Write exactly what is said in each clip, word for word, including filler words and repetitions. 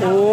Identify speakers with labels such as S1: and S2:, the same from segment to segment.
S1: โอ้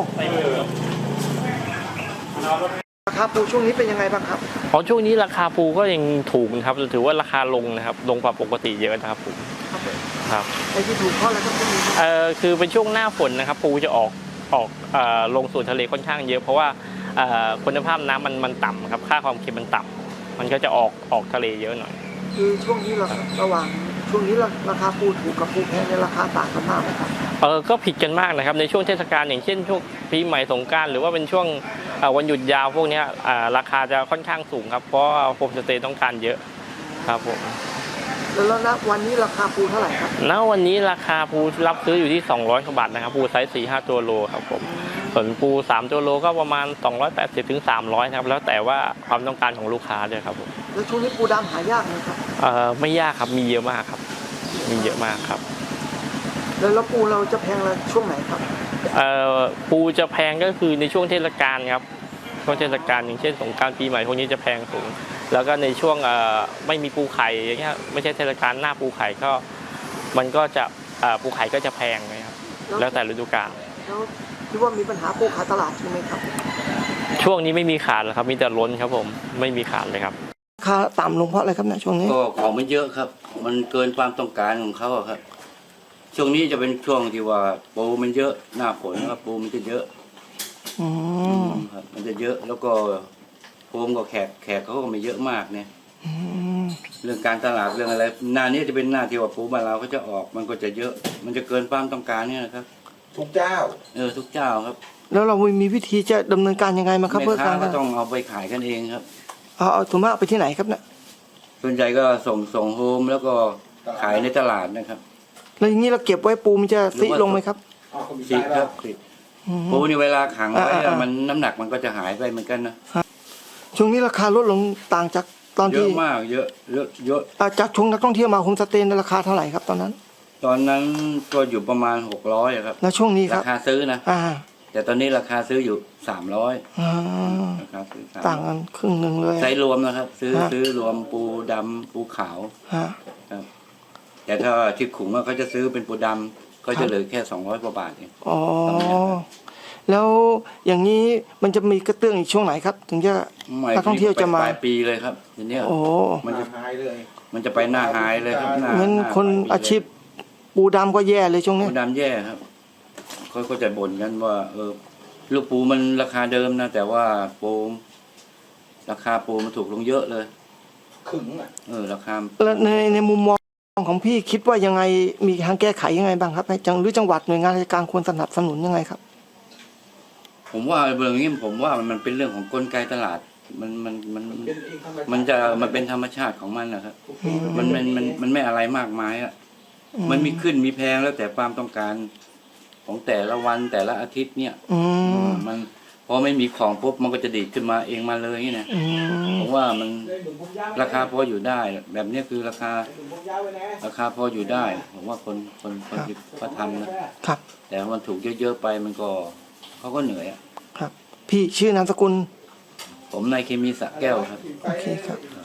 S1: ราคาปูช่วงนี้เป็นยังไงบ้างครับ
S2: อ๋อช่วงนี้ราคาปูก็ยังถูกนะครับถือว่าราคาลงนะครับลงกว่าปกติเยอะนะครับผมครับ
S1: ไอ้ที่ถูกเพราะอะไรครับช่วงนี้
S2: เอ่อคือเป็นช่วงหน้าฝนนะครับปูจะออกออกเอ่อลงสู่ทะเลค่อนข้างเยอะเพราะว่าเอ่อคุณภาพน้ำมันมันต่ำครับค่าความเค็มมันต่ำมันก็จะออกออกทะเลเยอะหน่อย
S1: คือช่วงนี้เราระหว่างช่วงนี้ราคาปูถูกกับปูแพงในราคาต่างกันมากไหมครับ
S2: เออก็ผิดกันมากนะครับในช่วงเทศกาลอย่างเช่นช่วงปีใหม่สงกรานต์หรือว่าเป็นช่วงวันหยุดยาวพวกนี้ราคาจะค่อนข้างสูงครับเพราะโฮมสเตย์ต้องการเยอะครับผม
S1: แล้วณวันนี้ราคาปูเท่าไหร่ครับ
S2: ณวันนี้ราคาปูรับซื้ออยู่ที่สองร้อยกว่าบาทนะครับปูไซส์ สี่ห้า ตัวโลครับผมส่วนปูสามตัวโลก็ประมาณสองร้อยแปดสิบถึงสามร้อยครับแล้วแต่ว่าความต้องการของลูกค้าด้วยครับผม
S1: แล้วช่วงนี้ปูดำหายากไหมครับ
S2: เอ่อไม่ยากครับมีเยอะมากครับมีเยอะมากครับ
S1: แล้วปูเราจะแพงช่วงไหนครับ
S2: เอ่อปูจะแพงก็คือในช่วงเทศกาลครับช่วงเทศกาลอย่างเช่นสงกรานต์ปีใหม่พวกนี้จะแพงสูงแล้วก็ในช่วงเอ่อไม่มีปูไข่อย่างเงี้ยไม่ใช่เทศกาลหน้าปูไข่ก็มันก็จะเอ่อปูไข่ก็จะแพงนะครับแล้วแต่ฤดูกาล
S1: แล้วคิดว่ามีปัญหาปูขาดตลาดใช่ไหมครับ
S2: ช่วงนี้ไม่มีขาดหรอกครับมีแต่ล้นครับผมไม่มีขาดเลยครับ
S1: ราคาต่ำลงเพราะอะไรครับเนี่ยช่วงนี้
S3: ก็ของมันเยอะครับมันเกินความต้องการของเขาครับช่วงนี้จะเป็นช่วงที่ว่าปูมันเยอะหน้าฝนครับปูมันจะเยอะ
S1: อืม
S3: ครับมันจะเยอะแล้วก็ปูมก็แขกแขกเขาก็ไม่เยอะมากเนี่ยเรื่องการตลาดเรื่องอะไรหน้านี้จะเป็นหน้าที่ว่าปูบ้านเราเขาจะออกมันก็จะเยอะมันจะเกินความต้องการเนี่ยนะครับ
S4: ทุกเจ้า
S3: เออทุกเจ้าครับ
S1: แล้วเรามีวิธีจะดำเนินการยังไงมาครับ
S3: เพื่อการก็ต้องเอาไปขายกันเองครับ
S1: เอาเอาถุงมากไปที่ไหนครับเนี่ย
S3: ส่วนใหญ่ก็ส่งส่งโฮมแล้วก็ขายในตลาดนะครับ
S1: แล้วอย่างนี้เราเก็บไว้ปูมันจะซิลงไหมครับ
S3: ซิครับปูนี่เวลาขังไว้มันน้ำหนักมันก็จะหายไปเหมือนกันนะ
S1: ช่วงนี้ราคาลดลงต่างจากตอนที่
S3: เยอะมากเยอะเยอะเยอะ
S1: จากช่วงนักท่องเที่ยวมาโฮมสเตย์ราคาเท่าไหร่ครับตอนนั้น
S3: ตอนนั้นก็อยู่ประมาณหกร้อยครับ
S1: แล้วช่วงนี้ครับ
S3: ราคาซื้อนะแต่ตอนนี้ราคาซื้ออยู่สามร้อยราคาซื้อ
S1: ต่างกันครึ่งหนึ่งเลย
S3: ใช้รวมนะครับซื้อซื้อรวมปูดำปูขาวครับแต่ถ้าที่ขุงก็จะซื้อเป็นปูดำก็จะเหลือแค่สองร้อยกว่าบาทเอง
S1: อ๋อแล้วอย่างนี้มันจะมีกระเตื้องอีกช่วงไหนครับถึงจะนักท่องเที่ยวจะมา
S3: ปลายปีเลยครับทีนี้
S1: โอ้
S3: มันจะหายเลยมันจะไปหน้าหายเลยครับ
S1: งั้นคนอาชีพปูดำก็แย่เลยช่วงนี้
S3: ปูดำแย่ครับเขาก็จะบ่นกันว่าเออลูกปูมันราคาเดิมนะแต่ว่าปูราคาปูมันถูกลงเยอะเลย
S4: ขึงอ่ะ
S3: เออราคา
S1: แล้วในในมุมมองของพี่คิดว่ายังไงมีทางแก้ไขยังไงบ้างครับจังหรือจังหวัดหน่วยงานราชการควรสนับสนุนยังไงครับ
S3: ผมว่าเรื่องนี้ผมว่ามันเป็นเรื่องของกลไกตลาดมันมันมันมันจะมันเป็นธรรมชาติของมันนะครับมันมันมันมันไม่อะไรมากมายอ่ะมันมีขึ้นมีแพงแล้วแต่ความต้องการของแต่ละวันแต่ละอาทิตย์เนี่ยมันพอไม่มีของปุ๊บมันก็จะดีดขึ้นมาเองมาเลยเนี่ยผมว่ามันราคาพออยู่ได้แบบนี้คือราคาราคาพออยู่ได้ผมว่าคนคนคนที่เขาทำนะครับแต่มันถูกเยอะๆไปมันก็เขาก็เหนื่อยอ่ะ
S1: ครับพี่ชื่อนามสกุล
S3: ผมนายเคมีสระแก้วครับ
S1: โอเคครับ